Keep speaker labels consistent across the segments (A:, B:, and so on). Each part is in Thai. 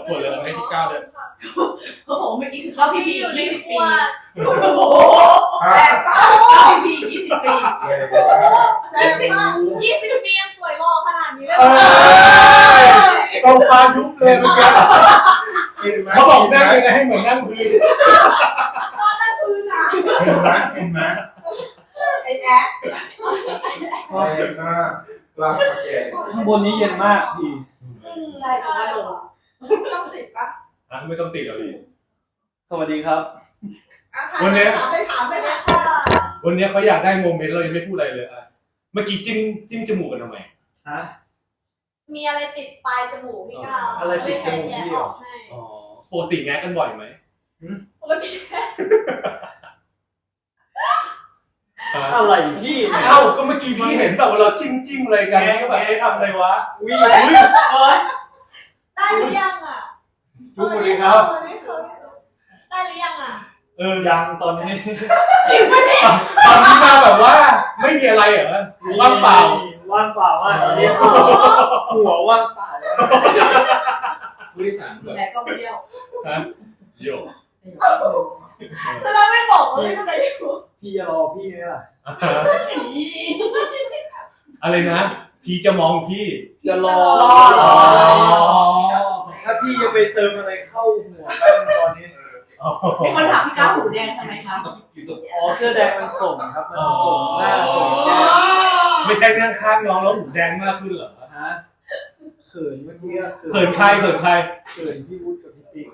A: ขวดเลยให้พี่ก้าวเลย
B: เขาบอกว่าเมื่อกี้คือเข้าพี่อยู่20 ปี
C: โอ้โหแรงมาก
B: เข้าพี่20 ปี
C: แรงมาก
D: 20 ปียังสวยหล่อขนาดนี้เลย
A: ต้องฟายุบเลยเหมือนกันเขาบอกนั่งยังไงให้เหมือนนั่งพื้น
D: ตอนนั่งพื้นอ่ะ
C: เห็นไหมไอ้แอ๊ดเย็นมากรักแก่
E: ข้างบนนี้เย็นมากพี่
B: ใช่เพราะว่าลง
C: ต้องติดปะ
A: ไม่ต้องติดหรอกพี่
E: สวัสดีครับ
C: วันนี้ถามไปนะ
A: วันนี้เขาอยากได้โมเมนต์เรายังไม่พูดอะไรเลยเมื่อกี้จิ้มจมูกกันทำไม
E: ฮะ
D: มีอะไรติดปลายจมูกพี่ก้าว
E: อะไรติดจมูกพี่หรอ
A: ปกติแงะกันบ่อยไหม
D: ปกติ
E: อะไรพี่
A: ก็เมื่อกี้พี่เห็นแบบเราจิ้มอะไรกันก็แบบได้ทำอะไรวะ
E: อุ้ย
D: ได้หรือยังอ่ะ
E: ทุกคนเลยครับ
D: ได้หรือยังอ่ะ
E: ยังตอนนี้
A: ตอนนี้มาแบบว่าไม่มีอะไรเหรอว่างเปล่า
E: ว่างเปล่ามากตอนนี้หัวว่างเปล่า
A: ผู้โดยสารแบบ
B: แต่ก็เที่ยว
A: โย
D: จะได้ไม่บอกว่าไม่ต้องการอยู่
E: พี่จะรอพี่ไหมล่ะ
A: อะไรนะพี่จะมองพี่
E: จะรอถ้าพี่จะไปเติมอะไรเข้าหัวตอนนี้
B: มีคนถามพี่ก้าวหูแดงทำไมครับ
E: เสื้อแดงมันส่งครับมันส่งหน้าส่งแก้ม
A: ไม่ใช่นั่งข้างน้องแล้วหูแดงมากขึ้นเหรอ
E: ฮะเขินเมื่อกี้
A: เขินใครเขิน
E: พี่วุฒิกับพี่ติ๊ก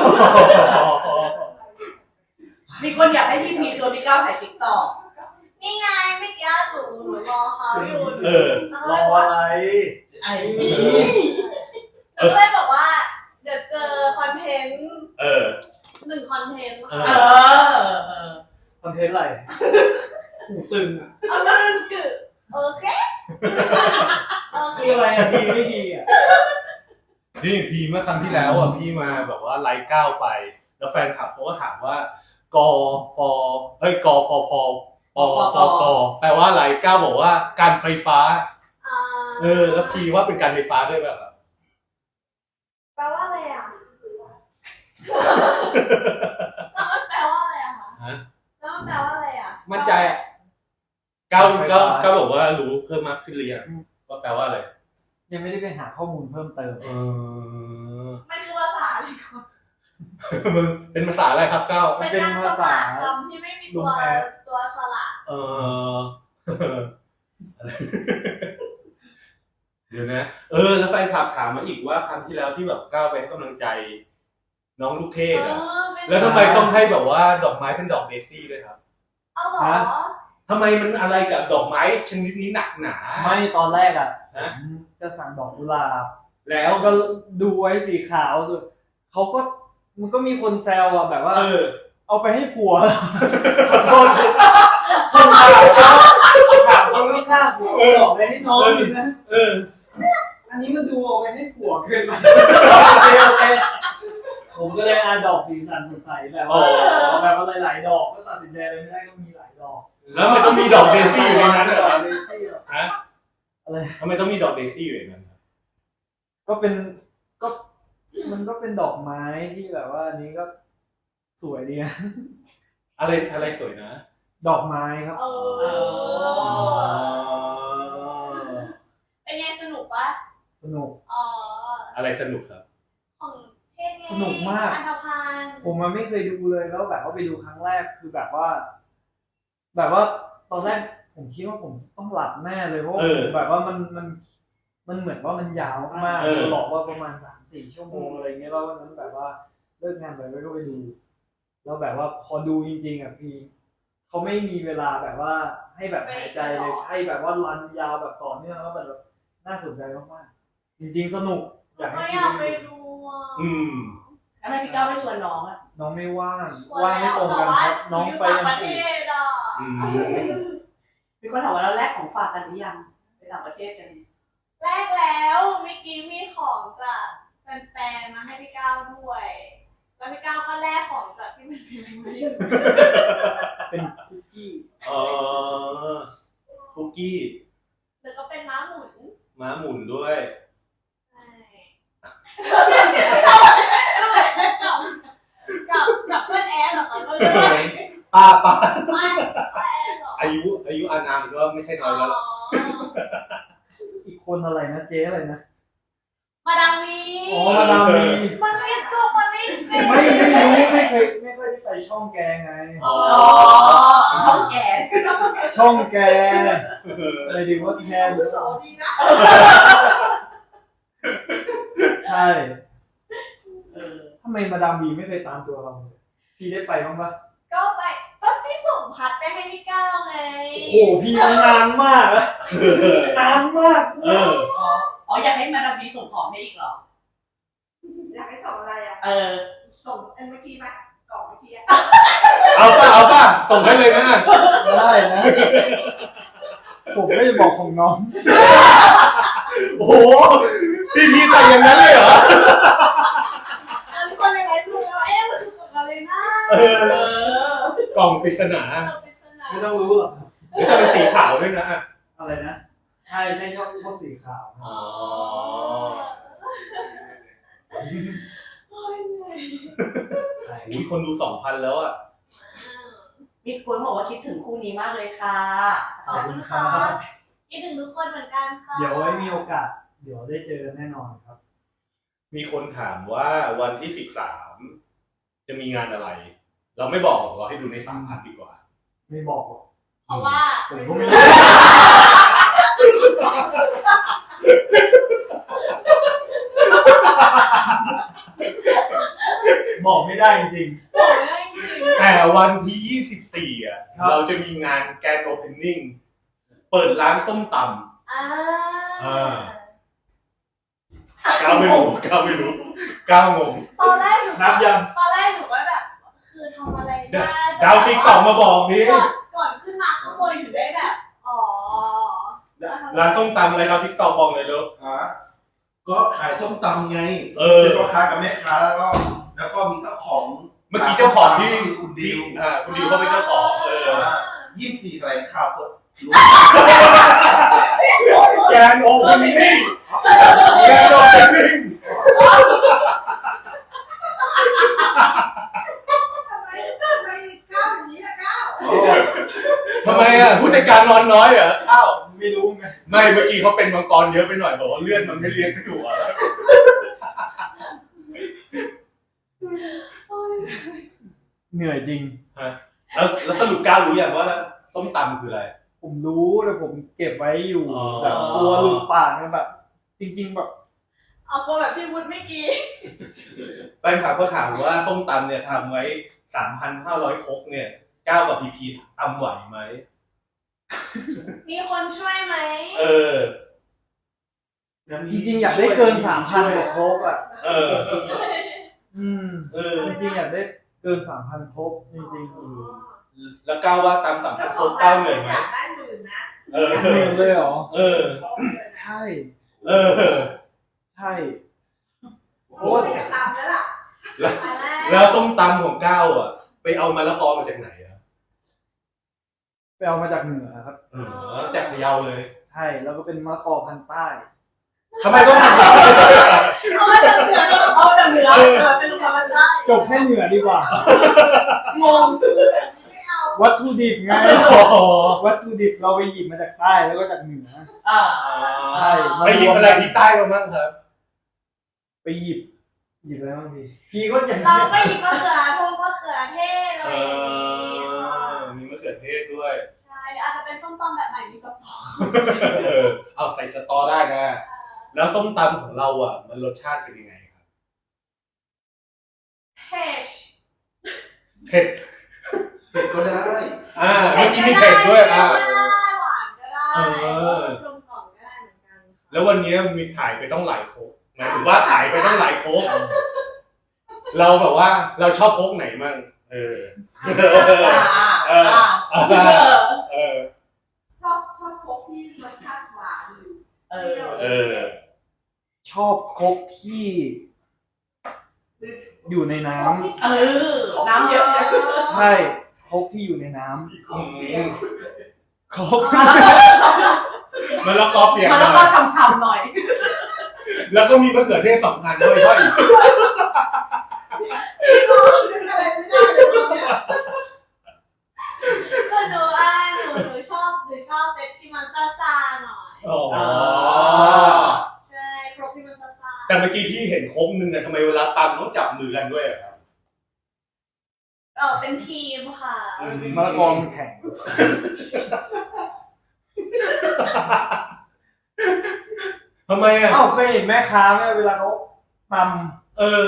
B: มีคนอยากให้พี่พีชวนพี่ก้าวถ่ายติ๊กต็อก
D: นี่ไงไม่กี้หนูรอเขาอยู่
E: รออะไร
D: หนูเลยบอกว่าเดี๋ยวเจอคอนเทนต์1 คอนเทนต์
E: คอนเทนต์อะไรหูตึง
D: นั่นคือโอเค
E: คืออะไรดีไม่ดี
A: นี่พีเมื่อครั้งที่แล้วพี่มาแบบว่าไลฟ์ก้าวไปแล้วแฟนคลับเขาก็ถามว่ากฟกฟพแปลว่าอะไรก้าวบอกว่าการไฟฟ้าแล้วพีว่าเป็นการไฟฟ้าด้วยแบบ
D: แปลว่าอะไรอ่ะแปลว่าอะไรอ่ะคะแล้วแปลว่าอะไรอ่ะ
A: มั่นใจก้าวบอกว่ารู้เพิ่มมากขึ้นหรือยังว่าแปลว่าอะไร
E: ยังไม่ได้ไปหาข้อมูลเพิ่มเติม
D: มันคือภาษาอะไรครับ
A: มึงเป็นภาษาอะไรครับก้าว
D: เป็นภาษาคำที่ไม่มีตัวสระ
A: เดี๋ยวนะแล้วแฟนคลับถามมาอีกว่าครั้งที่แล้วที่แบบก้าวไปให้กำลังใจน้องลูกเทพแล้วทำไมต้องให้แบบว่าดอกไม้เป็นดอกเดซี่ด้วยครับ
D: เอาเหรอ
A: ทำไมมันอะไรกับดอกไม้ชนิดนี้หนักหนา
E: ไม่ตอนแรกจะสั่งดอกกุหลาบ
A: แล้ว
E: ก็ดูไว้สีขาวสุดเขาก็มันก็มีคนแซวแบบว่าเอาไปให้ผัวขอโทษคนถามเขาไม่ฆ่าผัวบอกไปให้น้องนะอันนี้มันดูเอาไปให้ผัวเกินไปโอเคผมก็เลยดอกสีสันสดใสแบบว่าหลายๆดอกก็ตัดสินใจเลยไม่ได้ก็มีหลายดอก
A: แล้วมันต้องมีดอกเดซี่อยู่ในนั้นเหรอฮะ
E: อะไร
A: ทำไมต้องมีดอกเดซี่อยู่ในนั้น
E: ก็มันก็เป็นดอกไม้ที่แบบว่าอันนี้ก็สวยดีนะ
A: อะไรสวยนะ
E: ดอกไม้ครับ
D: เป็นไงสนุกปะ
E: สนุก
A: อะไรสนุกครับ
D: ของเทศไง
E: สนุกมาก
D: อันธพาล
E: ผมมันไม่เคยดูเลยแล้วแบบว่าไปดูครั้งแรกคือแบบว่าตอนแรกผมคิดว่าผมต้องหลับแน่เลยเพราะแบบว่ามันเหมือนว่ามันยาวมากหลอกว่าประมาณ 3-4 ชั่วโมงอะไรเงี้ยแล้ววันนั้นแบบว่าเลิกงานไปก็ไปดูแล้วแบบว่าพอดูจริงๆพี่เขาไม่มีเวลาแบบว่าให้แบบหายใจเลยใช่แบบว่ารันยาวแบบต่อเนื่องแล้วแบบน่าสนใจมากๆจริงๆสนุก
D: อยากไปดู
B: แล้วพี่ก้าวไม่ชวนน้อง
E: น้องไม่ว่างไม่ตรงกันครับน้องไป
D: ต่างประเทศ
B: มีคนถามว่าเราแลกของฝากกันหรือยังไปต่างประเทศกัน
D: แรกแล้วเมื่อกี้มีของจากแฟนๆมาให้พี่ก้าวด้วยแล้วพี่ก้าวก็แลกของจากที่มัน
E: เป็นคุกกี้
A: คุกกี้
D: แล้วก็เป็นม้าหมุน
A: ด้วย
D: ใช่
A: ป้า
D: ไม่แอนเหรอ
A: อายุอานามก็ไม่ใช่น้อยแล้ว
E: อีกคนอะไรนะเจ๊อะไรนะ
D: มาดามวี
E: อ๋อมาดามวี
D: มันเรียนจบมาเรียนเสร็จ
E: ไม่รู้ไม่เคยได้ไปช่องแกไง
A: อ๋อ
B: อ๋อช่องแกน
E: ช่องแกเลยดีว่าแก
B: อาวุโสดีนะ
E: ใช่ทำไมมาดามวีไม่เคยตามตัวเราเลยพี่ได้ไปบ้างปะ
D: ก็ไปก็ที่ส่งพัดไปให้พี่ก้าวไง
E: โอ้โหพี่นานมากอะนานมาก
B: อ๋ออยากให้มาดามวีส่งของให้อีกเหรอ
F: อยากให้ส่งอะไรอ่ะ ส่งอันเมื่อกี้ไหมกล่องเมื่อกี้อ่ะ
A: เอาป่ะส่งให้เลยนะ
E: ได้นะ ผมไม่ได้บอกของน้อง
A: โอ้โหพี่แต่งอย่างนั้นเลยเหรอ
D: ทุกคนในไลฟ์ดูแล้วมันคือกับอะไรนะ
A: กล่องปริศนา
D: ปริศนา
E: ไม่ต้องรู้หรอก
A: หรือจะเป็นสีขาวด้วยนะ
E: อะไรนะใช่ชอบสีขาว
A: อ๋อ
D: โอ้ยเหนื่อย
A: อุ้ยคนดู 2,000 แล้วอ่ะ
B: มีคนบอกว่าคิดถึงคู่นี้มากเลยค่ะ
D: ขอบคุณค่ะคิดถึงทุกคนเหมือนกันค่ะ
E: เดี๋ยวไว้มีโอกาส เดี๋ยวได้เจอกันแน่นอนครับ
A: มีคนถามว่าวันที่ 13 จะมีงานอะไร เราไม่บอกหรอกเราให้ดูใน3 พาร์ทดีกว่า
E: ไม่บอกหรอก
D: เพราะว่า
E: ผมก็ไม่รู้บอกไม่ได้จริง
D: บอกไม่ได้จริง
A: แต่วันที่ 24 อ่ะ
E: ครับ
A: เราจะมีงานแกรนด์โอเพนนิ่ง เปิดร้านส้มตำ ก้าวไม่รู้
D: ตอนแรกหนู
E: ๆนับยัง
D: ตอนแรกหนูก็แบบคือทำอะไรได้
A: ดาวติ๊กต็อกมาบอกนี้
D: ก่อนขึ้นมาข้างบนถึงได้แบบอ๋อ
A: ร้านส้มตำอะไรเราติ๊กต็อกบอกเลยลูก
C: ก็ขายส้มตำไง
A: เ
C: เป็นพ่อค้ากับแม่ค้าแล้วก็มีเจ้าของ
A: เมื่อกี้เจ้าของที่
C: คือคุณดิว
A: คุณดิวเขาเป็นเจ้าของ
C: 24แถลงข่าวเปิด
A: แกรนด์โอเพนนิ่งแกรนด์โอเพนนิ่ง
F: ทำไมก้าวอย่างนี้ล่ะก้าว
A: ทำไมอ่ะผู้จัดการนอนน้อยเหรอข้าว
E: ไม่รู้ไง
A: ไม่เมื่อกี้เขาเป็นมังกรเยอะไปหน่อยบอกว่าเลือดมันไม่เลี้ยงหัวแล้ว
E: เหนื่อยจริง
A: แล้วสรุปก้าวรู้อย่างว่าส้มตำคืออะไร
E: ผมรู้แต่ผมเก็บไว้อยู่
A: อ๋อ
E: แบบกลัวหลุดปากนะแบบ จริงๆแบบ
D: เอาตัวแบบพี่วุฒิไม่กี่
A: แฟนคลับเขาถามว่าส้มตำเนี่ยทำไว้ 3,500 ครกเนี่ยก้าวกับพีพีทำไหวไหม
D: มีคนช่วยไหม
E: จริงๆอยากได้เกิน 3,000 กว่าโคกอ่ะ จริงๆอยากได้เกิน 3,000 โคกจริงๆ
A: แล้วก้าวว่าตำ3,000 ครกก้าวเหนื่อยไหม
F: อยากได้หมื่นนะ
E: เหนื่อยเลยเหรอ ใช่ ใช่
F: โอ้ยจะตามแล้วล่ะ
A: แล้วส้มตำของก้าวอ่ะ ไปเอามะละกอมาจากไหนอ่ะ
E: ไปเอามาจากเหนือครับ
A: จากพะเยาเลย
E: ใช่แล้วก็เป็นมะละกอพันธุ์ใต้
A: ทำไมต้อง
B: เอามาจากเหนือเป็นลูกค้ามันได้
E: จบแค่เหนือดีกว่า
B: งง
F: แบบนี้ไม่เอา
E: วัตถุดิบไง
A: อ๋อ
E: วัตถุดิบเราไปหยิบมาจากใต้แล้วก็จากเหนือ ใช่
A: ไปหยิบอะไรที่ใต้มาบ้างครับ
E: ไปหยิบอะไรบ้างพี่ก็อย่าง
D: เราก็หยิบมะเขือพวงมะเขือเทศอะไรอย่างงี้
A: มีมะเขือเทศด้วย
D: ใช่หรืออาจจะเป็นส้มตำแบบไหนมีสปอร์
A: เอาใส่สตอได้นะ แล้วส้มตำของเราอ่ะ มันรสชาติเป็นยังไงครับ
D: เผ็ด
A: เผ็ด
C: ก็ได้
A: เมื่อกี้มีเผ็ดด้วย
D: ก็ได้หวานก็ได้กลมกล่อมก็ได้เหมือนกัน
A: แล้ววันนี้มีขายไปต้องหลายโคกหมายถึงว่าขายไปต้องหลายโคกเราแบบว่าเราชอบโคกไหนมั่ง
F: ชอบพกที่รสชาติหวานหรือเปรี้ยว
E: ชอบครกที่อยู่ในน้ำ
B: น้ำเยอะ
E: ใช่ครกที่อยู่ในน้ำครก
A: มันละกอเปียก
B: มันแล้วก็ช้ำๆหน่อย
A: แล้วก็มีมะเขือเทศ2,000ด้วย
F: อะไรไม่ได้เลยเนี่ย
A: แต่ทำไมเวลาตำต้องจับมือกันด้วยอะครับ
D: เป็นทีมค่ะ
E: มะละกอมันแข็ง
A: ทำไมอ่ะ
E: เอ้าเคยเห็นแม่ค้าไหมเวลาเขาต
A: เออ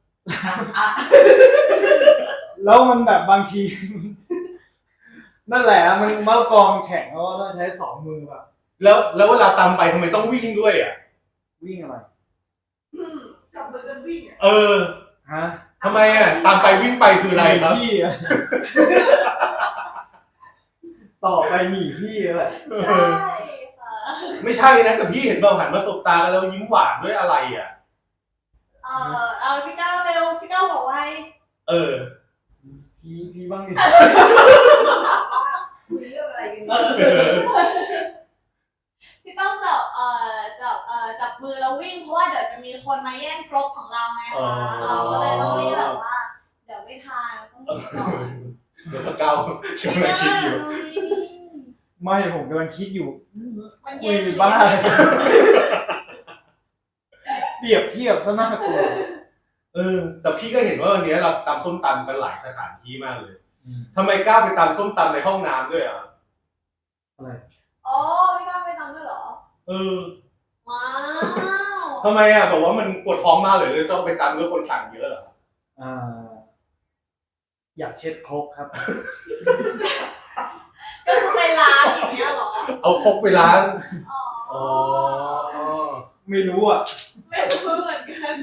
E: ำแล้วมันแบบบางที นั่นแหละมันมะละกอมันแข็งแล้วก็ต้องใช้สองมือแบบ
A: แล้วเวลาตำไปทำไมต้องวิ่งด้วยอ่ะ
E: วิ่งอะไร
F: จับมือกันวิ่งอ่ะ
A: เออ
E: ฮะ
A: ทำไมอ่ะตำไปวิ่งไปคืออะไรครับ
E: พี่อะ ต่อไปหนีพี่แหละ
D: ใช่ค่ะ
A: ไม่ใช่นะแต่พี่เห็นเราหันมาสบตากันแล้วยิ้มหวานด้วยอะไรอ่ะ
D: เอาพี่ก้าวเร็วพี่ก้าวบอกไว้
A: เออ
E: พี่บ้างดิ
F: คุยเรื่องอะไรกัน
D: พี่ต้องจับมือแล้ววิ่งเพราะว่าเดี๋ยวจะมีคนมาแย่งครกของเราไง
A: อ๋อ
D: คะเราก็เลยต้องรีบแบบว่าเดี๋ยวไม่ทานต้องกินก่อน
A: เดี๋ยวพระเก้ากำลังคิดอยู่
E: ไม่ผมกำลังคิดอยู่
D: มัน
E: คุ
D: เย็
E: ย
D: น
E: บ้าเปรียบเทียบซะน่ากลัว
A: เออ แต่พี่ก็เห็นว่าวันนี้เราตำส้มตำกันหลายสถานที่มากเลยทำไมกล้าไปตำส้มตำในห้องน้ำด้วยอ่ะ
E: อะไร
D: อ๋อพี่ก้าวไปทำด้วยเหรอ
A: เออ
D: ว้าว
A: ทำไมอ่ะบอกว่ามันปวดท้องมากเลยต้องไปตำด้วยคนสั่งเยอะเหรอ
E: อยากเช็ดครกครับ
D: ก็คือไปล้างอย่างเงี้ยเหรอ
A: เอาครกไปล้าง
D: อ๋อ
A: อ๋อ
E: ไม่รู้อ่ะ
D: ไม่รู้เหมือนกัน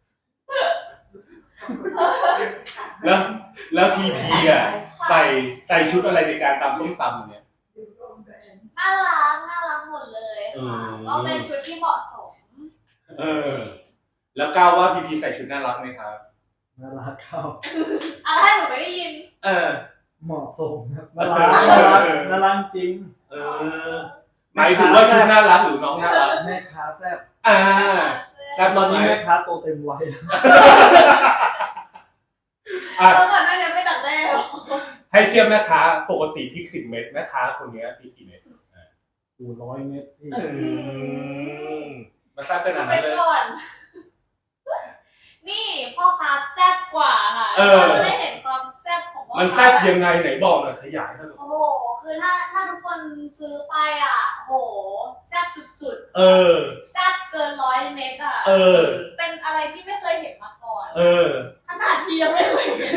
A: แล้วพีพีอ่ะใส่ชุดอะไรในการตำส้มตำเนี่ย
D: น่ารักหมดเลยค่ะก็เป็นชุดที่เหมาะสม
A: เออ แล้วก้าวว่าพีพีใส่ชุดน่ารักไหมครับ
E: น่ารักเข้า
D: ถ้าหนูไม่ได้ยิน
A: เออ
E: เหมาะสมครับน่ารักน่ารักน่ารักจริง
A: เออหมายถึงว่าชุดน่ารักหรือน้องน่ารัก
E: แม่ค้าแซ่บ
A: อ่า แซ่บ
E: ตอ
A: มาน กไหม
E: นี้แม่ค้าโตเต็มวัย
A: อ่ะ
D: แล้วก่อนหน้านี้ไม่ดักแด้หรอ
A: ให้เทียบแม่ค้าปกติพริก10 เม็ดแม่ค้าคนนี้พริกกี่เม็ด
E: 100 เม็ดพี่
A: มาทราบขนาด
D: ไป
A: นั้นเลย
D: ก่อน นี่พ่อค้าแซ่บกว่าค่ะ
A: เออ
D: เราจะได้เห็นความแซ่บของพ่อค้า
A: มันแซ่บยังไงไหนบอกหน่อยขยายหน่อย
D: โอ้โห คือถ้าทุกคนซื้อไปอ่ะโหแซ่บสุด
A: เออ
D: ๆแซ่บเกิน100 เม็ดอ่ะ
A: เออ
D: เป็นอะไรที่ไม่เคยเห็นมาก่อน
A: เออ
D: ขนาดที่ยังไม่เคยเห็น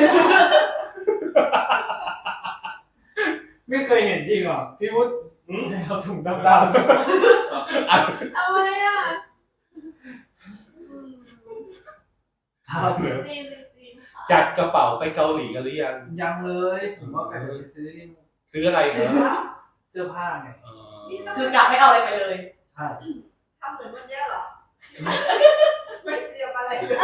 E: ไม่เคยเห็นจริงเหรอพี่วุฒิเอาถุงดำ
D: เอาไว้อ่ะ
E: ๆครับ
D: จริงค่ะ
A: จัดกระเป๋าไปเกาหลีกันหรือยัง
E: ยังเลยผมว่าไปซื้อ
A: ซื้ออะไรครับ
E: เสื้อผ้าไง
A: อ๋อ
B: คือกลับไม่เอาอะไรไปเลย
E: ใช่
F: ทำเหมือนวันนี้เหรอ ไม่เตรียมอะไรเลย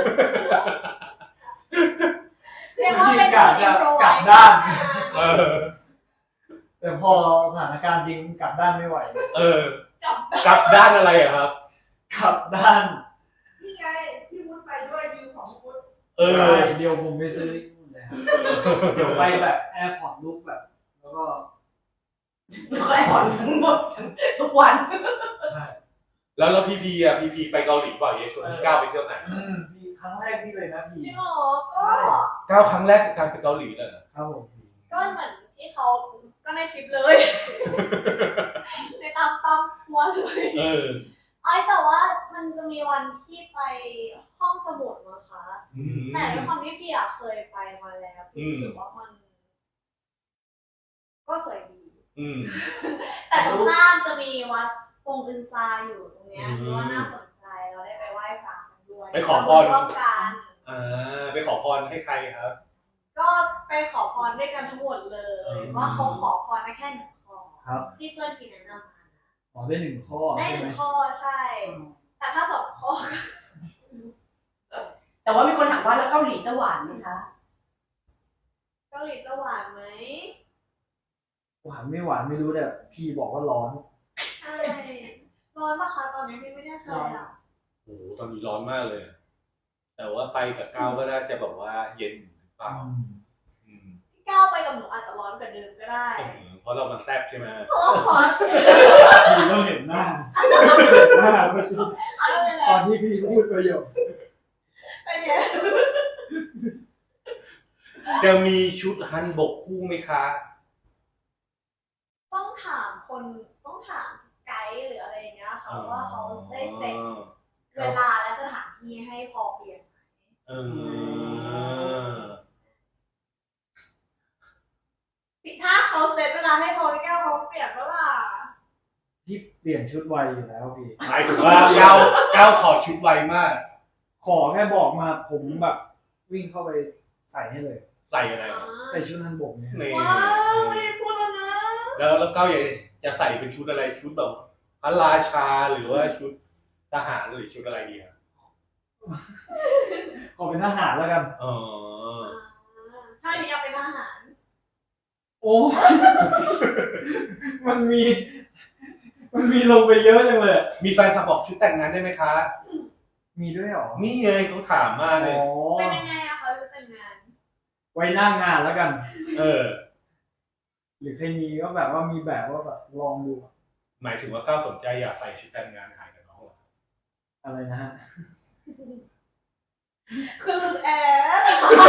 D: เรียกว่าเป็น
E: กลับ
D: อินโทรไว้
E: ด้าน
A: เออ
E: แต่พอสถานการณ์จริงกลับด้านไม่ไหว
A: เออ กลับด้านอะไรอะครับ
E: กลับด้าน
F: นี่ไง พี่วุฒิไปด้วยยืมของพี่วุฒิ
A: เออ
E: เดี๋ยวผมไปซื้อที่นู่นเลยครับเดี๋ยวไปแบบแอร์พอร์ตลุกแบบ แล้วก็
B: ก็ให้ผ่อนทั้งหมดทุกวัน
E: ใช่
A: แล้วพีพีอ่ะพีพีไปเกาหลีบ่อยยังชวนพี่ก้าวไปเที่ยวไหน
E: พี่ครั้งแรกพี่เลยนะพี่
D: จริงเหรอก็
A: ก้าวครั้งแรกกับการไปเกาหลีเลยเหรอ
E: ครับผม
D: ก็เหมือนที่เขาก็ในทริปเลย ในตามทัวร์เลย
A: เออ
D: แต่ว่ามันจะมีวันที่ไปห้องสมุดนะคะ
A: อืม
D: แต่ด้วยความที่พี่อะเคยไปมาแล้วพี่รู้สึกว่ามัน ก็สวยดี
A: อืม
D: แต่ตรงข้ามจะมีวัดปงอึนซาอยู่ตรงเนี้ย
A: อืม
D: คือว่าน่าสนใจเราได้ไปไหว้พระกันด้วย
A: ไปขอพร
D: ร่วมกัน
A: ไปขอพรให้ใครครับ
D: ก็ไปขอพรด้วยกันทั้งหมดเลย
A: อืม
D: ว่าเขาขอพรได้แค่1 ข้อ
E: ครับ
D: ที่เพื่อนพี่แนะนำมา
E: ขอได้1 ข้อ
D: ได้
E: ใช่ไหม
D: 1 ข้อใช่ แต่ถ้า2 ข้อ
B: แต่ว่ามีคนถามว่าแล้วเกาหลีจะหวานไหมคะ
D: เกาหลีจะหวานไหม
E: หวานไม่หวานไม่รู้แต่พี่บอกว่าร้อน
D: ใช่ร้อนปะคะตอนนี้พี่ไม่แน่ใจอ่ะ
A: โอ้โหตอนนี้ร้อนมากเลย แต่ว่าไปกับก้าวก็น่าจะแบบว่าเย็นหรือเปล่าอืม
D: พี่ก้าวไปกับหนูอาจจะร้อนกว่าเดิมก็ได้
A: เพราะเรามันแซ่บใช่ไหม
D: ขอขอ
E: พี่ก็เห็นหน้าเมื่อกี้
D: เอาไปแล้
E: ตอ
D: วน
E: ที่พี่พูดประโยค
A: จะมีชุดฮันบกคู่ไหมคะ
D: ต้องถามไกด์หรืออะไรอย่างเงี้ยค่ะว่าเขาได้เซ็ตเวลาและสถานที่ให้พอเปลี่ยนไหม ถ้าเขาเซ็ตเวลาให้พอพี่แก้วเขาเปลี่ยนเวลา
E: พี่เปลี่ยนชุดไวอยู่แล้วพี่
A: หมายถึงว่าก้าวถอดชุดไวมาก
E: ขอแค่บอกมาผมแบบวิ่งเข้าไปใส่ให้เลย
A: ใส่อะไรนะ
E: ใส่ชุดฮันบกเนี่ย
A: นี่
D: ว้าวไม่พูดแล้วนะ
A: แล้วก้าวอยากจะใส่เป็นชุดอะไรชุดแบบพระราชาหรือว่าชุดทหารหรือชุดอะไรดีครับ
E: ขอเป็นทหารแล้วกัน
A: อ๋อ
D: ถ้ามีอยากเป็นทหาร
E: โอ้ มันมีลงไปเยอะจังเลย
A: มีแฟนคลับบอกชุดแต่งงานได้ไหมคะ
E: มีด้วยเหรอ
A: นี่เลยเขาถามมากเลย
E: อ๋อ
D: เป็นยังไงอะเขาจะแต่งงาน
E: ไว้หน้างานแล้วกัน
A: เออ
E: หรือใครมีก็แบบว่ามีแบบว่าแบบลองดู
A: หมายถึงว่าก้าวสนใจอยากใส่ชุดแต่งงานถ่ายกับน้องเหรอ
E: อะไรนะฮะ
D: คือแอด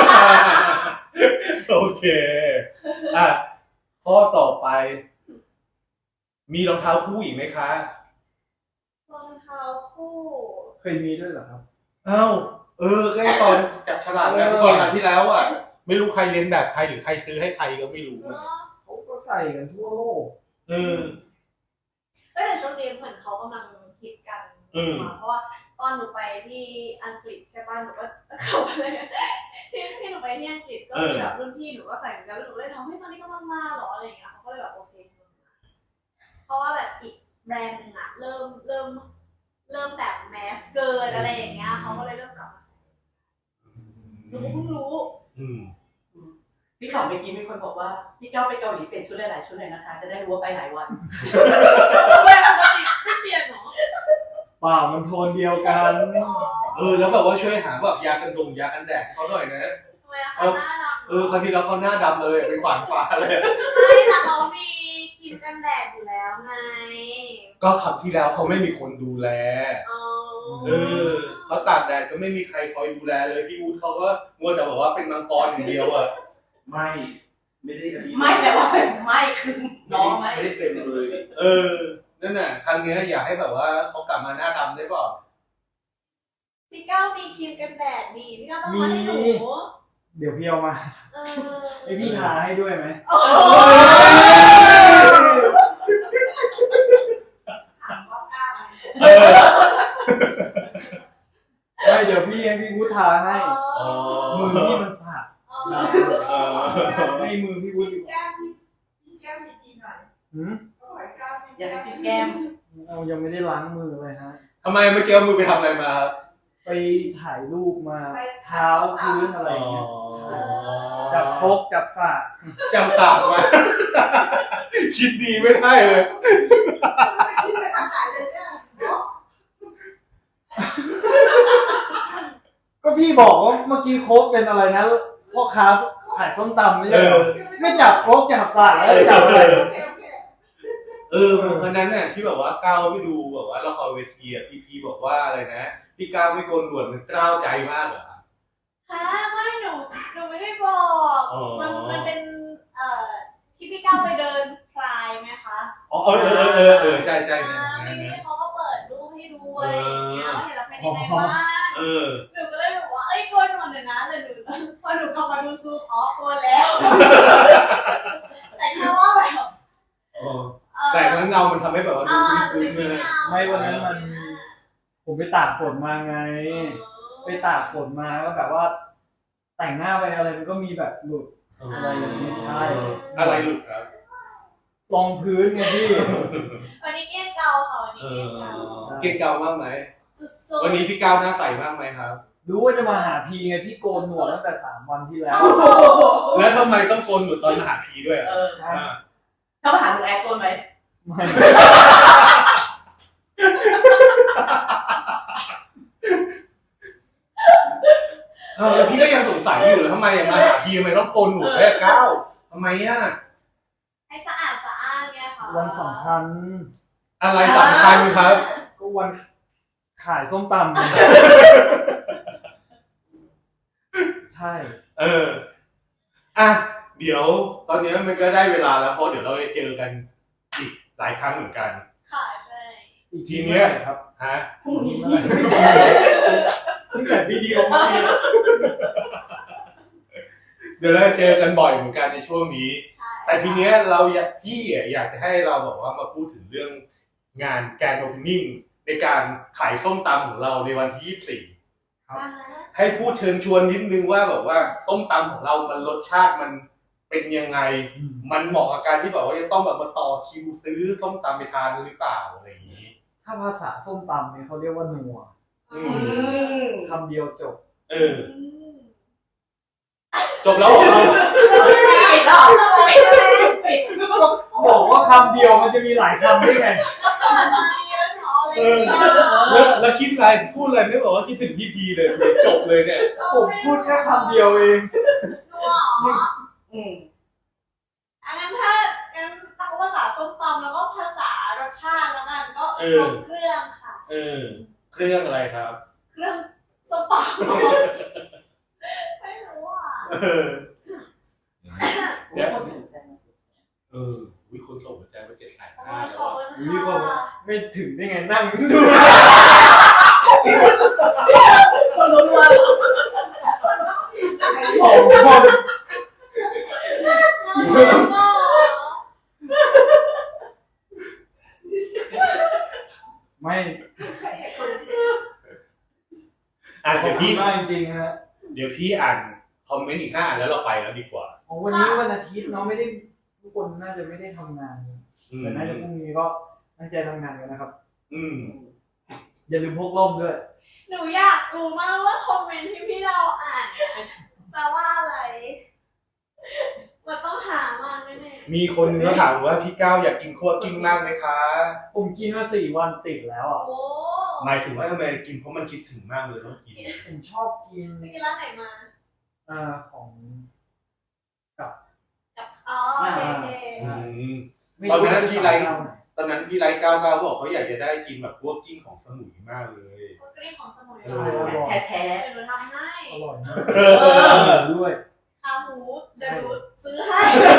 A: โอเค อ่ะ ข้อต่อไป มีรองเท้าคู่อีกไหมคะ
D: รองเท้าคู่
E: เคยมีด้วยเหรอครับ
A: อ้าวก็ไอ้ตอนจับฉลากงานฟุตบอลครั้งที่แล้วอ่ะ ไม่รู้ใครเรียนแบบใครหรือใครซื้อให้ใครก็ไม่รู้
D: เนาะ
E: เขาก็ใส่กันทั่วโลก
A: เออ
D: แต่ช่วงนี้เหมือนเขากำลังฮิตกันเพราะว่าตอนหนูไปที่อังกฤษใช่ป่ะหนูก็เขาเลยที่หนูไปที่อังกฤษก็มีแบบรุ่นพี่หนูก็ใส่เหมือนกันแล้วหนูเลยทำให้ตอนนี้กำลังมาหรออะไรอย่างเงี้ยเขาก็เลยแบบโอเคเพราะว่าแบบอีกแบรนด์หนึ่งอะเริ่มแบบแมสเกินอะไรอย่างเงี้ยเขาก็เลยเริ่มกลับมาใส่หนูเพิ่งรู้
B: พี่ข่าวเมื่อกี้มีคนบอกว่าพี่ก้าวไปเกาหลีเปลี่ยนชุดหลายๆชุดเลยนะคะ จะได้รู้ว่าไปหลายวัน
D: ทำไมปกติไม่เปลี่ยนหรอ
E: เปล่ามันโทนเดียวกัน
A: แล้วแบบว่าช่วยหาแบบยากันยากันแดดเขาหน่อยนะ
D: ทำไมเขาหน้าดำ
A: ครั้งที่แล้วเขาหน้าดำเลยเป็นขวานฟ้าเลย
D: ไม่แต่เขามีครีมกันแดดอยู่แล้วไง
A: ก็ครั้งที่แล้วเขาไม่มีคนดูแล เขาตากแดดก็ไม่มีใครคอยดูแลเลยพี่วูดเขาก็มัวแต่บอกว่าเป็นมังกรอย่างเดียวอ่ะ
C: ไม่ได้อันนี้
B: ไม่แปลว่าไม่คือน้องไม่
C: ไม่ได้เป็นเลย
A: นั่นน่ะครั้งนี้อยากให้แบบว่าเขากลับมาหน้าดำได้เปล่า
D: พี่ก้าวมีครีมกันแดดดีพี่ก้าวต้องมาให้หนู
E: เดี๋ยวพี่เอามาไอพี่ทาให้ด้วยไหมไม่เดี๋ยวพี่ให้พี่วุฒิทาให้มือพี่มันสะอาดให้มือพี่วุฒิ
F: แก้มดีหน่อย
B: อยากจะจิ้มแก้ม
E: เรายังไม่ได้ล้างมือเลยฮะ
A: ทำไมเมื่อกี้เอามือไปทำอะไรมาครับ
E: ไปถ่ายรูปมาเท้าพื้นอะไรอย่างเงี้ย
A: อ๋อ
E: จับครกจับสาก
A: จำตากมา คิดดีไม่ได้เลย
F: คิดไปทางไหนเลยเนี่ย
E: ก็พี่บอกว่าเมื่อกี้โค้กเป็นอะไรนะพ่อค้าขายส้มตำไม่ใช่เหรอไม่จับโค้กจับสากแล้วจับอะไร
A: วันนั้นน่ะที่แบบว่าก้าวไปดูแบบว่าละครเวทีอ่ะพี่บอกว่าอะไรนะพี่ก้าวไม่โกนหนวดมันกล้าวใจมากเหรอ
D: ฮะไม่หนูไม่ได้บอกมันเป็นที่พี่ก้าวไปเดินพลายไหมคะ
A: ใช่
D: พี่เขาก็เปิดรูปให้ดูอะไรอย่างเงี้ยเห็นแล้วเป็นยังไงบ้างหนูก็เลยบอกว่าเอ้ยโกนหนวดเดี๋ยวนะแต่หนูพอหนูเข้ามาดูซูมโกนแล้วแต่แค่ว่าแบบ
A: แต่แล้วเงามันทำให้แบบว่าดูคุ้นๆเลย
E: ไม่วันนั้นมันผมไปตากฝนมาไง ไปตากฝนมาก็แบบว่า แต่งหน้าไปอะไรมันก็มีแบบหลุดอะไรอย่างนี้ใช่
A: อะไรหลุดครับ
E: รองพื้นไงพี่
D: วันนี้เกี้ยเกาค่ะวันนี้เกี้ยเกา
A: เก่งเก่ามากไหม
D: สุดๆ
A: วันนี้พี่ก้าวหน้าใสมากไหมครับ
E: รู้ว่าจะมาหาพีไงพี่โกนหนวดตั้งแต่3 วันที่แล้ว
A: แล้วทำไมต้องโกนหนวดตอนมาหาพีด้วย
B: ถ้ามาหาหนูแอดโกนไหม
E: ไม่
A: แล้วพี่ก็ยังสงสัยอยู่เลยทำไมมาหาพีทำไมต้องโกนหนวดด้วยก้าวทำไมอ่ะ
D: ให้สะอาดสะอ้านเนี่ยค่ะ
E: วันสำคัญ
A: อะไรสำคัญครับ
E: ก็วันขายส้มตำใช่
A: อ่ะเดี๋ยวตอนนี้มันก็ได้เวลาแล้วเพราะเดี๋ยวเราจะเจอกันอีกหลายครั้งเหมือนกัน
D: ค่ะใช่
E: อีก
A: ทีเนี้ย
E: ครับ
A: ฮะ
E: พรุ่งนี้เพิ่งจัดวิดีโอมา
A: เดี๋ยวเราจะเจอกันบ่อยเหมือนกันในช่วงนี้
D: ใช่
A: แต่ทีเนี้ยพี่อยากจะให้เราบอกว่ามาพูดถึงเรื่องงานแกรนด์โอเพนนิ่งในการขายส้มตำของเราในวันที่24
D: อ่าฮะ
A: ให้พูดเชิญชวนนิดนึงว่าแบบว่าต้มตำของเรามันรสชาติมันเป็นยังไง มันเหมาะกับการที่แบบว่าจะต้องแบบมาต่อคิวซื้อส้มตำไปทานหรือเปล่าอะไรอย่างนี้
E: ถ้าภาษาส้มตำเนี่ยเขาเรียกว่านัว
A: อื
E: คำเดียวจบ
A: เออจบแล้วเหรอ
B: ปิดแล้วปิด
E: บอกว่าคำเดียวมันจะมีหลายคำได้ไง
A: เออแล้วคิดอะไรพูดอะไรไม่บอกว่าคิดถึงพี่พีเลยจบเลยเนี่ย
E: ผมพูดแค่คำเดียวเอง
D: นัวเหรอ
B: อืม
D: อันนั้นถ้างั้นตั้งภาษาส้มตำแล้วก็ภาษารสชาติแล้วกันก็ครบเครื่องค่ะ
A: เออเครื่องอะไรครับ
D: เครื่องส้มตำไม่รู้อ่ะ
A: เออ
B: เดี๋ยวคนถึงกัน
A: วิคนส่งหัวใจมา750,000
D: ข
A: แล้ว
D: อบ
A: อะ
D: คุณค่ะ
E: ไม่ถึงได้ไงนั่งดู
B: คนรู้ว่า
E: สองคน ไม่
A: อ่ะ
E: ขอ
A: เดี๋
E: บ
A: ยว
E: คุ
A: พี่
E: ณมากจริงๆฮะ
A: เดี๋ยวพี่อ่านคอมเมนต์อีก5อันแล้วเราไปแล้วดีกว่า
E: วันนี้วันอาทิตย์เนาะไม่ได้ทุกคนน่าจะไม่ได้ทำงานแต่น่าจะพรุ่งนี้ก็ตั้งใจทำงานกันนะครับ
A: อืม
E: อย่าลืมพกร่มด้วย
D: หนูอยากรู้มากว่าคอมเมนต์ที่พี่เราอ่านแปลว่าอะไรมันต้องหามากแน่ๆ
A: มีคนก็ถามว่าพี่ก้าวอยากกินคั่วกิ้งมากไหมคะ
E: ผมกินมา4 วันติดแล้วอ่ะ
D: โอ้
A: หมายถึงว่าทำไมกินเพราะมันคิดถึงมากเลยต้องกิน
E: ผมชอบกิน
D: ไปกินร้านไหนมา
E: ของ
D: กับอ๋อโอเคโอเค
A: อืม
E: ไม่
A: ตอนนั้น
E: รู้
A: ที่ไร ตอนนั้นพี่ไลฟ์99บอกเขาอยากจะได้กินแบบคั่วกิ้งของสมุยมากเลย
D: คนกรีนของสมุย
A: เอ
B: แช่แช่
D: เดี๋ยวหนูทำให้
E: อร่อยมากด้วย
D: ขาหมูเดี๋ยวหนูซื้อให้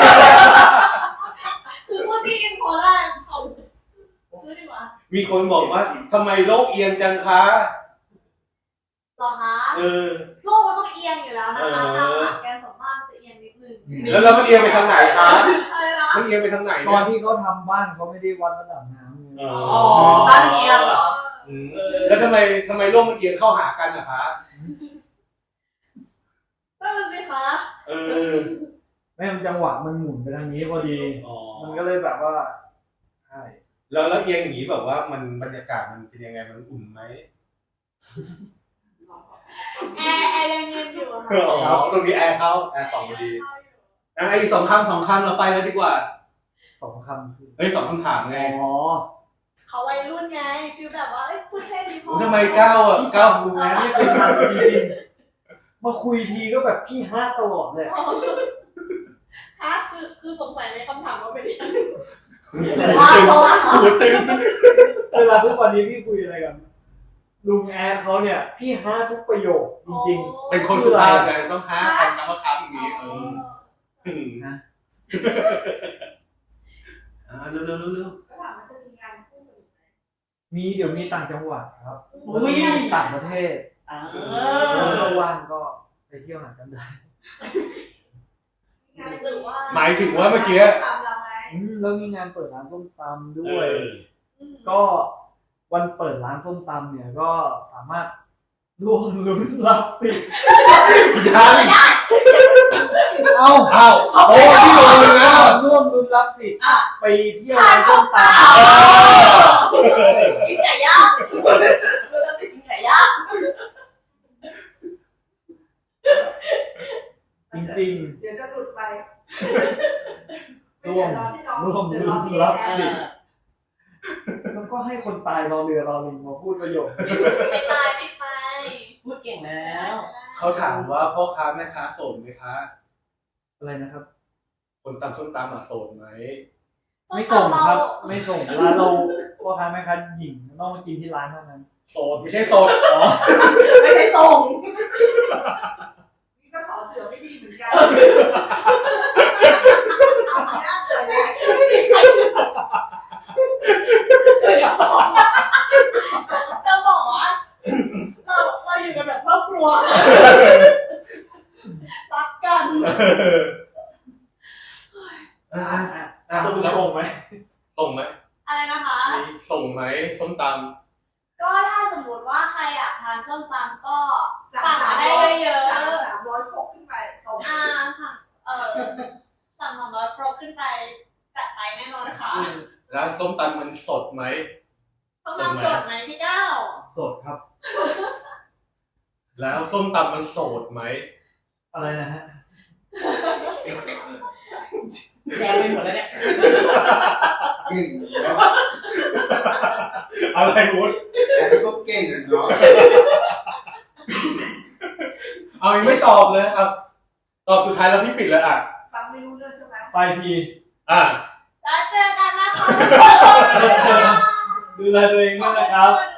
D: คือพวกพี่กินพอได้ของซื้อดีกว่า
A: มีคนบอกว่าทำไมโลกเอียงจังคะ
D: หรอคะ
A: เออ
D: โลกมันต้องเอียงอยู่แล้วนะคะทางหลักแกนสองข้างจะเอียงนิดนึง
A: แล้วเรามันเอียงไปทางไหนคะ
D: อะไรนะ
A: มันเอียงไปทางไหน
E: ตอ
A: เนี่
E: น
A: ย
E: ที่เขาทำบ้านเขาไม่ได้วัดระดับน้ำไง
B: อ๋อบ้านเอียงเหรอ
A: อืมแล้วทำไมโลกมันเอียงเข้าหากันอะคะ
D: นั่นมันสิคะ
A: เออ
E: ไม่มันจังหวะมันหมุนไปทางนี้พอดี
A: อ๋อ
E: มันก็เลยแบบว่าใช่
A: แล้วเอียงอย่างนี้แบบว่ามันบรรยากาศมันเป็นยังไงมันอุ่นไหม
D: แอร์ยังเย็นอยู่อะค่ะ
A: อ๋อตรงนี้แอร์เข้าแอร์ส่องพอดีอ่ะอีก2 คำเราไปแล้วดีกว่า
E: 2 คำคือ
A: เฮ้ย2 คำถามไง
E: อ๋อ
D: เขาวัยรุ่นไงฟิลแบบว่าเอ้ยพูดแค่นี้พอ
A: ทำไมก้าวอ่ะก้าว
E: ดูแลไม่เคยทำจริงๆมาคุยทีก็แบบพี่ฮาตลอดเลย
D: ฮะคือสงสัยในคำถามว่าเป็นยังไง
A: หัวตึง
E: เวลาทุกวันนี้พี่คุยอะไรกันลุงแอร์เขาเนี่ยพี่ฮาทุกประโยคจริง
A: เป็นคนสุภาพไงต้องหาคำว่าครับอย่างนี้
E: นะ
A: นะเร็ว
F: ก็ถามว่าจะมีงานคู่กันอีกไหม
E: มีเดี๋ยวมีต่างจังหวัดครับ
B: อุ้ย
E: ต่างประเทศ ถ้าว่างก็ไปเที่ยวหากันได้
F: งาน
D: หรือว่า
A: หมายถึงว่าเมื่อกี้
F: ตามเราไง
E: แล้วมีงานเปิดร้านส้มตำด้
A: เอ
E: วย
A: อ
E: ก็วันเปิดร้านส้มตำเนี่ยก็สามารถร่วมลุ้นรับสิทธิ์
A: ยัง
E: เอ้า
A: อ้าวโอ้ที่โดนเลยนะ
E: ร่วมลุ้นรับสิทธิ์ไปเที่ยวร้านส้มต
B: กินไก่ย่างเราจะกินไก่ย่าง
E: ำจริง
F: เดี๋ยวจะหลุดไป
E: ร่วม
F: ร่วม
E: ลุ้
F: เดือดร้อน
E: น
F: ที่
E: รับ
F: แอ
E: สิท
F: ร์
E: ธิ์แล้วก็ให้คนตายรอเรือรอลิงมาพูดประโยค
D: ไม่ตายไม่ตาย
B: พูดเก่งแล้ว
A: เขาถามว่าพ่อค้าแม่ค้าโสดไหมคะ
E: อะไรนะครับ
A: คนตำส้มตำอ่ะโสดไหม
E: ไม่ส่งครับ ไม่ส่งร้านเราพ่อค้าแม่ค้าหญิงต้องมากินที่ร้านเท่านั้น
A: โสดไม่ใช่โสด
E: อ๋อ
B: ไม่ใช่ส่ง
F: นี่ก็สอเสือไม่ดีเหมือนกัน
E: สรุปส่งไหม
A: ส่งไหม
D: อะไรนะคะ
A: มีส่งไหมส้มต
D: ก็ถ้าสมมติว่าใครอยากทานส้มตำก็
F: สั่
D: สั่งมาได้เยอะ
F: 300ครกขึ้นไปส่ง
D: ๆสั่งสั่ง200ครกขึ้นไปจัดไปแน่นอนค่ะ
A: ำแล้วส้มตำมันสดไหม
D: ต้องนำสดไหมพี่ก้าว
E: สดครับ
A: แล้วส้มตำมันโสดไหม
E: อะไรนะฮะ
B: แดงไปหมดแล้วเนี่ย
C: เก่งเนาะ
A: อะไรวุ้น
C: แต่ก็เก่งอ่ะเนาะ
A: เอายังไม่ตอบเลยอ่ะตอบสุดท้ายแล้วพี่ปิดเลยอ่ะ
F: ฟังไม่รู้เรื่องใช่ไหม
E: ไปพี
A: อ่ะ
D: แล้วเจอกันนะคะ
E: ดูแลตัวเองด้วยนะครับ
D: ขอบคุณ